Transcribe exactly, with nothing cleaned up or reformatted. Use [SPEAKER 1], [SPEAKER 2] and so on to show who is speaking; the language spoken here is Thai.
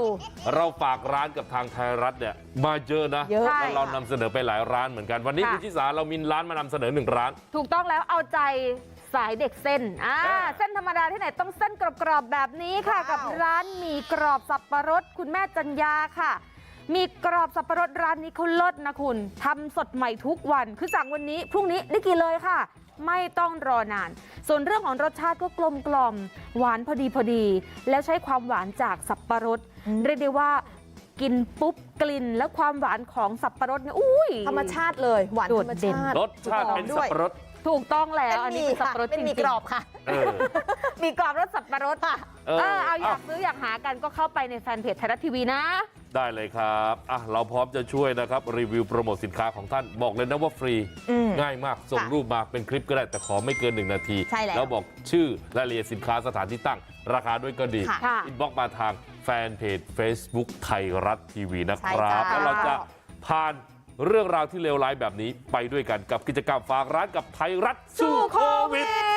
[SPEAKER 1] เราฝากร้านกับทางไทยรัฐเนี่ยมาเยอะนะแล้วเรานำเสนอไปหลายร้านเหมือนกันวันนี้คุณชิสาเรามีร้านมานำเสนอหนึ่งร้าน
[SPEAKER 2] ถูกต้องแล้วเอาใจสายเด็กเส้นอ่าเส้นธรรมดาที่ไหนต้องเส้นกรอบๆแบบนี้ค่ะกับร้านหมี่กรอบสับปะรดคุณแม่จัญญาค่ะมีกรอบสับปะรดร้านนี้เขาเลิศนะคุณทำสดใหม่ทุกวันคือสั่งวันนี้พรุ่งนี้ได้กินเลยค่ะไม่ต้องรอนานส่วนเรื่องของรสชาติก็กลมกล่อมหวานพอดีพอดีแล้วใช้ความหวานจากสับปะรดเรียกได้ว่ากินปุ๊บกลิ่นและความหวานของสับปะรดเนี่ยอุ้ย
[SPEAKER 3] ธรรมชาติเลยหวานธรรมชาติ
[SPEAKER 1] รสชาติเป็นสับปะรด
[SPEAKER 2] ถูกต้องแล้วอันนี้เป็นสับปะรดจริงๆ
[SPEAKER 3] มีกรอบค่ะ
[SPEAKER 2] มีกรอบรสสับปะรดค่ะเออเอาอยากซื้ออยากหากันก็เข้าไปในแฟนเพจไทยรัฐทีวีนะ
[SPEAKER 1] ได้เลยครับอ่ะเราพร้อมจะช่วยนะครับรีวิวโปรโมทสินค้าของท่านบอกเลยนะว่าฟรีง่ายมากส่งรูปมาเป็นคลิปก็ได้แต่ขอไม่เกินหนึ่งนาทีแล้วบอกชื่อรายละเอียดสินค้าสถานที่ตั้งราคาด้วยก็ดีอินบ็อกซ์มาทางแฟนเพจ Facebook ไทยรัฐทีวีนะครับแล้วเราจะผ่านเรื่องราวที่เลวร้ายแบบนี้ไปด้วยกันกับกิจกรรมฝากร้านกับไทยรัฐสู้โควิด